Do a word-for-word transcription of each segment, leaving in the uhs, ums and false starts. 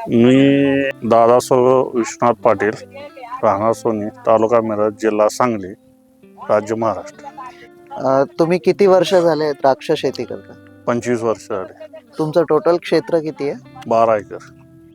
मी दादासाहेब विश्वनाथ पाटील, राहणार सोनी, तालुका मिरज, जिल्हा सांगली, राज्य महाराष्ट्र. अ, तुम्ही किती वर्ष झाले द्राक्ष शेती करता? पंचवीस वर्ष झाले. तुमचं टोटल क्षेत्र किती आहे? बारा एकर.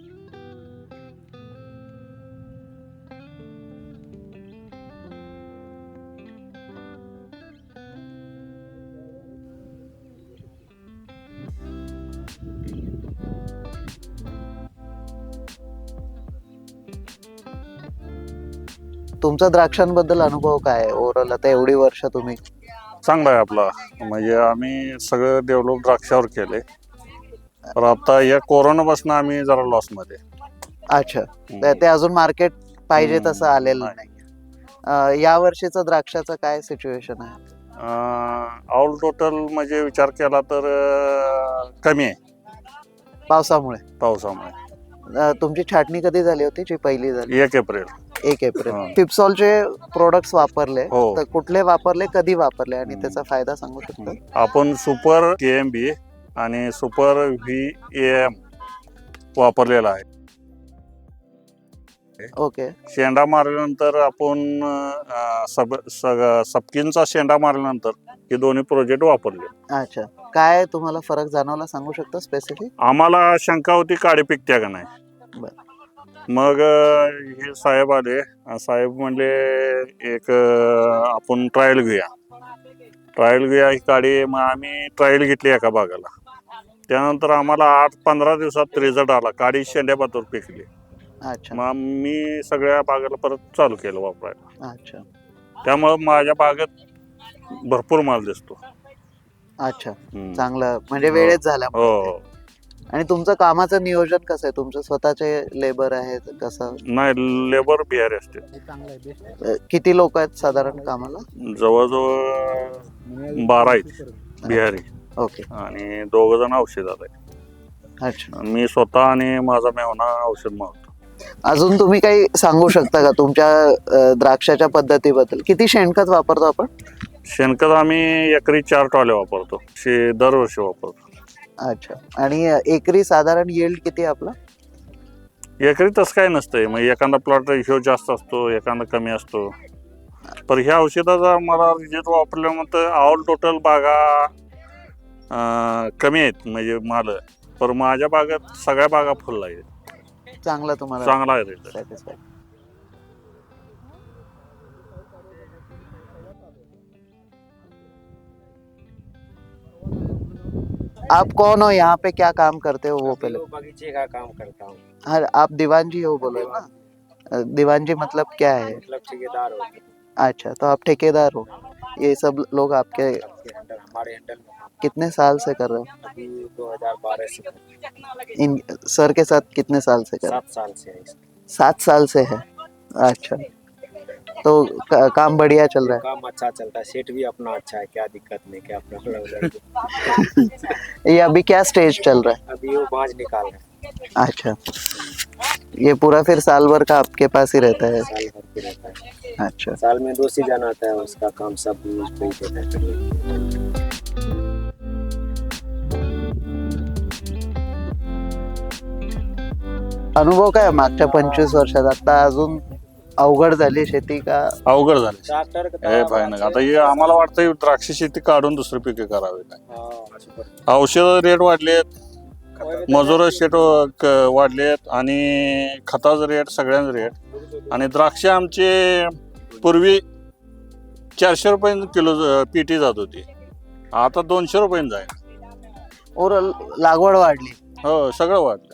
तुमचा द्राक्षांबद्दल अनुभव काय आहे ओव्हरऑल? आता एवढी वर्ष तुम्ही चांगला आहे आपला. म्हणजे आम्ही सगळं डेव्हलप द्राक्षावर केले. तर आता या कोरोनापासून आम्ही जरा लॉस मध्ये. अच्छा, तर ते अजून मार्केट पाहिजे हम्म, तसं आलेलं नाही. नाही. अ, या वर्षीचं द्राक्षाचं काय सिच्युएशन आहे? ऑल टोटल म्हणजे विचार केला तर अं, कमी आहे पावसामुळे. पावसामुळे. अ, तुमची छाटणी कधी झाली होती? जी पहिली झाली एक एप्रिल. एक एप्रिल. हा. फिप्सॉलचे प्रोडक्ट्स वापरले हो. तर कुठले वापरले, कधी वापरले आणि हम्म. त्याचा फायदा सांगू शकता? आपण सुपर के एम बी आणि सुपर व्ही एम वापरलेला आहे. ओके. शेंडा मारल्यानंतर आपण अं, सब सग- सपकिनचा शेंडा मारल्यानंतर हे दोन्ही प्रोजेक्ट वापरले. अच्छा, काय तुम्हाला फरक जाणवला सांगू शकता स्पेसिफिक? आम्हाला शंका होती काळी पिकत्या का नाही. बरं. मग अं, हे साहेब आले. अं, साहेब म्हणले एक अं, आपण ट्रायल घेऊया ट्रायल घेऊया ही काळी. मग आम्ही ट्रायल घेतली एका बागाला. त्यानंतर आम्हाला आठ पंधरा दिवसात रिझल्ट आला. काळी शेंड्यापातूर पिकली. अच्छा मग मी सगळ्या बागेला परत चालू केलं वापरायला. अच्छा त्यामुळं माझ्या बागेत भरपूर माल दिसतो. अच्छा, हम्म. चांगलं म्हणजे हो. वेळेत झाला. हो हो. आणि तुमचं कामाचं नियोजन कसं आहे? तुमचं स्वतःचे लेबर आहेत कसं? नाही, लेबर बिहारी असते. अ, किती लोक आहेत साधारण कामाला? जवळजवळ बारा आहेत बिहारी ओके. आणि दोघ जण औषधात आहे. अच्छा, मी स्वतः आणि माझा मेहना औषध मारतो. अजून तुम्ही काही सांगू शकता का तुमच्या अ, द्राक्षाच्या पद्धतीबद्दल? किती शेणखत वापरतो आपण? शेणखत आम्ही एकरी चार टॉले वापरतो. शे दरवर्षी वापरतो. अच्छा, आणि एकरी साधारण येल्ड किती आहे आपला? एकरी तसं काय नसतंय. मग एखादा प्लॉट ह्यो जास्त असतो, एखादा कमी असतो. पण ह्या औषधाचा मला रिझल्ट वापरल्यानंतर ऑल टोटल बागा अं, कमी आहेत म्हणजे माल. पण माझ्या बागात सगळ्या बागा फुल आहेत. चांगला तुम्हाला चांगला आहे रिझल्ट. satisfied. आप कौन हो, यहाँ पे क्या काम करते हो वो पहले? बगीचे का काम करता हूँ। हाँ, आप दीवान जी हो बोलो ना? अ, दीवान जी मतलब क्या है? मतलब ठेकेदार हो अच्छा, तो आप ठेकेदार हो। ये सब लोग आपके आपके हैंडल हमारे हैंडल में कितने साल से कर रहे हो? अभी दो हज़ार बारह से इन सर के साथ कितने साल से कर रहे सात साल से है इसका। हो? सात साल से है। अच्छा, तो का, काम बढ़िया चल रहा काम अच्छा चलता है। सेट भी अपना अच्छा है, क्या दिक्कत नहीं, क्या प्रॉब्लम नहीं। है। ये अभी क्या स्टेज चल रहा है? अभी वो बाँझ निकाल रहे हैं। अच्छा, ये पूरा फिर साल भर का आपके पास ही रहता है? साल भर पे रहता है। अच्छा, साल में दो सीजन आता है, उसका काम सब उस पे ही देता है। अनुभव काय मागच्या पंचवीस वर्षात? आता अजून अवघड झाली शेती का? अवघड झाले. ट्रैक्टर का हे भयानक. आता हे आम्हाला वाटतं द्राक्ष शेती काढून दुसरी पिके करावी काय. हाँ, औषध रेट वाढलेत, मजूर शेट वाढलेत आणि खताचं रेट सगळ्यांच रेट. आणि द्राक्ष आमचे पूर्वी चारशे रुपये किलो पीटी जात होती, आता दोनशे रुपये जाईल. और लागवड वाढली. हो, सगळं वाढलं.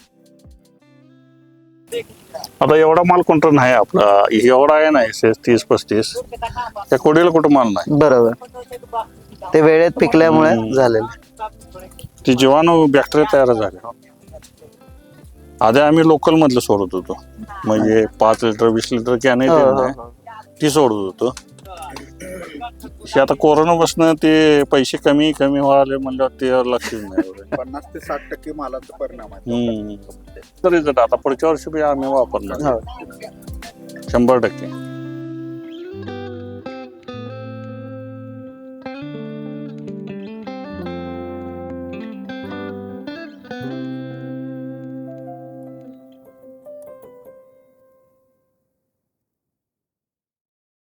आता एवढा माल कोणता नाही आपला. एवढा आहे नाही तीस पस्तीस. त्या कोडीला कुठं माल नाही. बरोबर, ते वेळेत पिकल्यामुळे हम्म. झालेलं. ती जीवाणू बॅक्टेरिया तयार झाले. आधी आम्ही लोकल मधलं सोडत होतो, म्हणजे पाच लिटर वीस लिटर कॅन हो, हो, आहे हो. ती सोडत होतो. हे आता कोरोनापासून ते पैसे कमी कमी व्हायला म्हणलं ते लक्षच नाही एवढं. पन्नास ते साठ टक्के मालाचा परिणाम आहे. हम्म. तरी जर आता पुढच्या वर्षी बी आम्ही वापरणार हो. शंभर टक्के.